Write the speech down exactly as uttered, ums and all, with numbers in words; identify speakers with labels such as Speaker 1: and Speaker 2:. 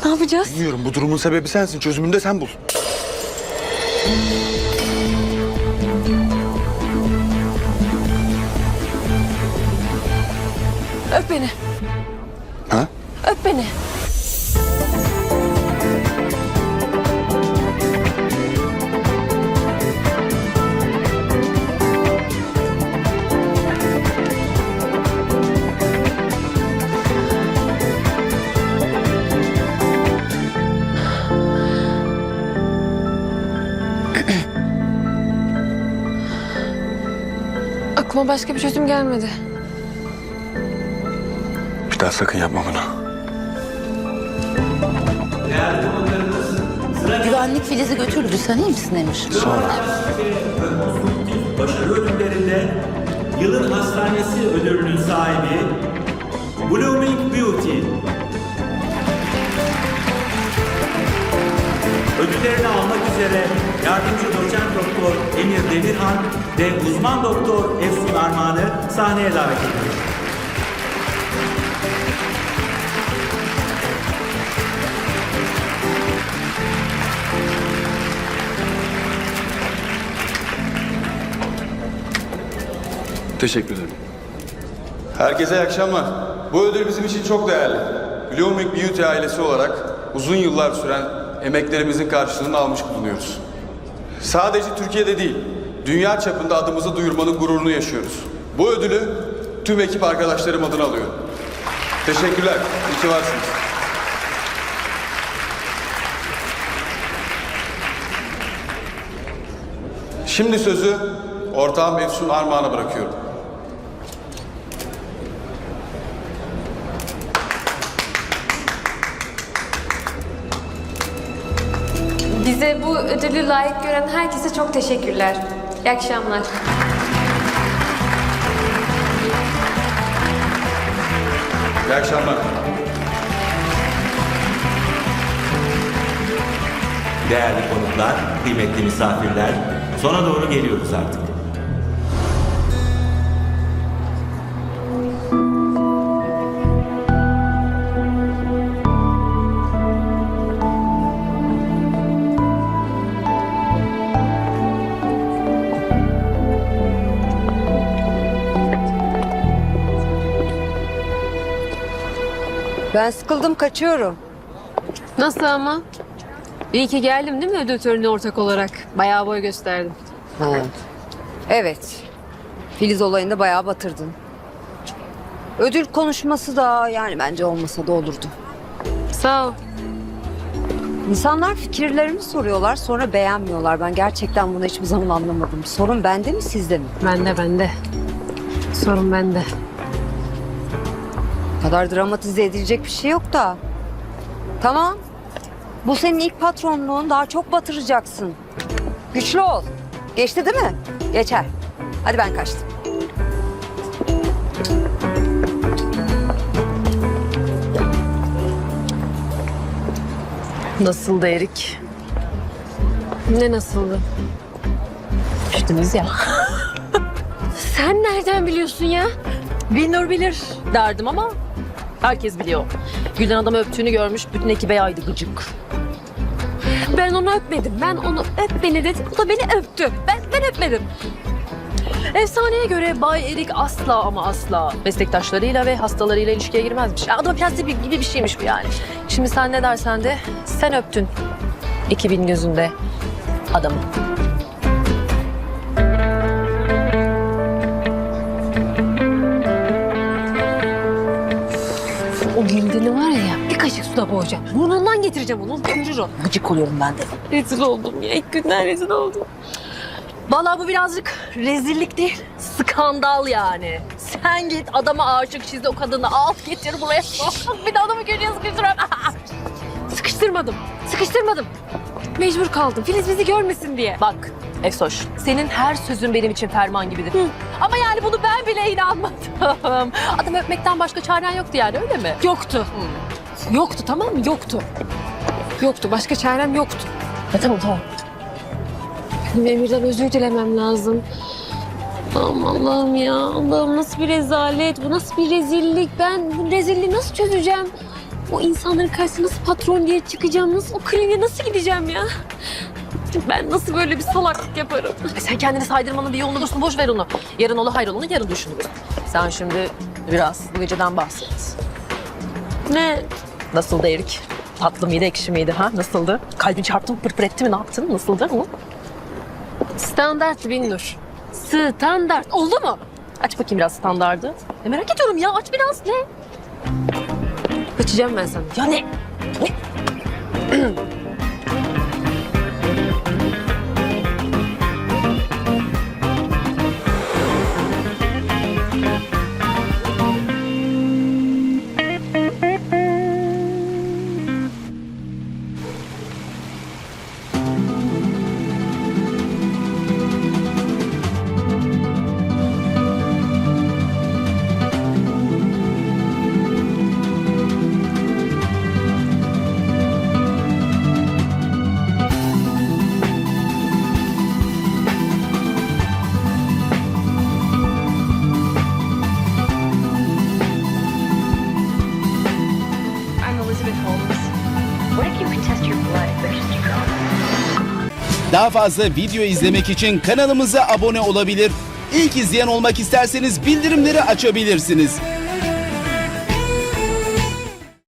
Speaker 1: Ne yapacağız?
Speaker 2: Bilmiyorum, bu durumun sebebi sensin. Çözümünü de sen bul.
Speaker 1: Öp beni.
Speaker 2: Ha?
Speaker 1: Öp beni. Aklıma başka bir çözüm gelmedi.
Speaker 2: Bir daha sakın yapma bunu.
Speaker 3: Güvenlik Filiz'i götürdü. Sen iyi misin Emir?
Speaker 2: Sonra.
Speaker 4: Başarı ödüllerinde yılın hastanesi ödülünün sahibi Blooming Beauty. Ödüllerini almak üzere yardımcı doçent doktor Emir Demirhan ve uzman doktor Efsun Armağan'ı sahneye davet ediyoruz.
Speaker 2: Teşekkür ederim.
Speaker 5: Herkese iyi akşamlar. Bu ödül bizim için çok değerli. Blooming Beauty ailesi olarak uzun yıllar süren emeklerimizin karşılığını almış bulunuyoruz. Sadece Türkiye'de değil, dünya çapında adımızı duyurmanın gururunu yaşıyoruz. Bu ödülü tüm ekip arkadaşlarım adına alıyorum. Teşekkürler, iyi ki varsınız. Şimdi sözü ortağım Efsun Armağan'a bırakıyorum.
Speaker 1: Bize bu ödülü layık gören herkese çok teşekkürler. İyi akşamlar.
Speaker 5: İyi akşamlar.
Speaker 4: Değerli konuklar, kıymetli misafirler, sona doğru geliyoruz artık.
Speaker 6: Ben sıkıldım, kaçıyorum.
Speaker 1: Nasıl ama? İyi ki geldim değil mi ödül törenine ortak olarak? Bayağı boy gösterdim.
Speaker 6: Ha. Evet. Filiz olayında bayağı batırdın. Ödül konuşması da yani bence olmasa da olurdu.
Speaker 1: Sağ ol.
Speaker 6: İnsanlar fikirlerini soruyorlar, sonra beğenmiyorlar. Ben gerçekten bunu hiçbir zaman anlamadım. Sorun bende mi, sizde mi?
Speaker 1: Bende bende. Sorun bende.
Speaker 6: Bu kadar dramatize edilecek bir şey yok da. Tamam. Bu senin ilk patronluğun, daha çok batıracaksın. Güçlü ol. Geçti değil mi? Geçer. Hadi ben kaçtım.
Speaker 1: Nasıldı Erik? Ne nasıldı?
Speaker 3: Düştünüz ya.
Speaker 1: Sen nereden biliyorsun ya?
Speaker 3: Bilinur bilir derdim ama herkes biliyor. Gülden adamı öptüğünü görmüş, bütün ekibe yaydı gıcık.
Speaker 1: Ben onu öpmedim. Ben onu öp beni dedim. O da beni öptü. Ben, ben öpmedim.
Speaker 3: Efsaneye göre Bay Erik asla ama asla meslektaşlarıyla ve hastalarıyla ilişkiye girmezmiş. Ya adamın prensibi gibi bir şeymiş bu yani. Şimdi sen ne dersen de sen öptün ekibin gözünde adamı.
Speaker 1: O Gülden'i var ya bir kaşık suda boğacağım. Burnundan getireceğim onu. Gömürür o.
Speaker 3: Gıcık oluyorum ben de.
Speaker 1: Rezil oldum ya. İlk günden rezil oldum.
Speaker 3: Vallahi bu birazcık rezillik değil, skandal yani. Sen git adama aşık çizdi o kadını al getir buraya. Bir de adamı köşeye sıkıştıran.
Speaker 1: Sıkıştırmadım. Sıkıştırmadım. Mecbur kaldım. Filiz bizi görmesin diye.
Speaker 3: Bak Efsoş, senin her sözün benim için ferman gibidir. Hı. Ama yani bunu ben bile inanmadım. Adamı öpmekten başka çaren yoktu yani öyle mi?
Speaker 1: Yoktu. Hı. Yoktu tamam mı? Yoktu. Yoktu. Başka çarem yoktu.
Speaker 3: Ya, tamam tamam.
Speaker 1: Benim Emir'den özür dilemem lazım. Aman Allah'ım ya. Allah'ım nasıl bir rezalet. Bu nasıl bir rezillik. Ben bu rezilliği nasıl çözeceğim? O insanların karşısına nasıl patron diye çıkacağım? Nasıl o kliniğe nasıl gideceğim ya? Ben nasıl böyle bir salaklık yaparım?
Speaker 3: E sen kendini saydırmanın bir yolunu bulsun. Boş ver onu. Yarın ola hayrolanı yarın düşünürüz. Sen şimdi biraz bu geceden bahset.
Speaker 1: Ne?
Speaker 3: Nasıldı Erik? Tatlı mıydı, ekşi miydi ha? Nasıldı? Kalbin çarptı mı, pırpır etti mi, ne yaptın? Nasıldı? Hı?
Speaker 1: Standart Binnur. Standart. Oldu mu?
Speaker 3: Aç bakayım biraz standardı. E merak ediyorum ya, aç biraz. Ne?
Speaker 1: Kaçacağım ben sana.
Speaker 3: Ya ne? Ne?
Speaker 7: I'm Elizabeth Holmes. What if you could test your blood for testosterone?
Speaker 8: Daha fazla video izlemek için kanalımıza abone olabilir. İlk izleyen olmak isterseniz bildirimleri açabilirsiniz.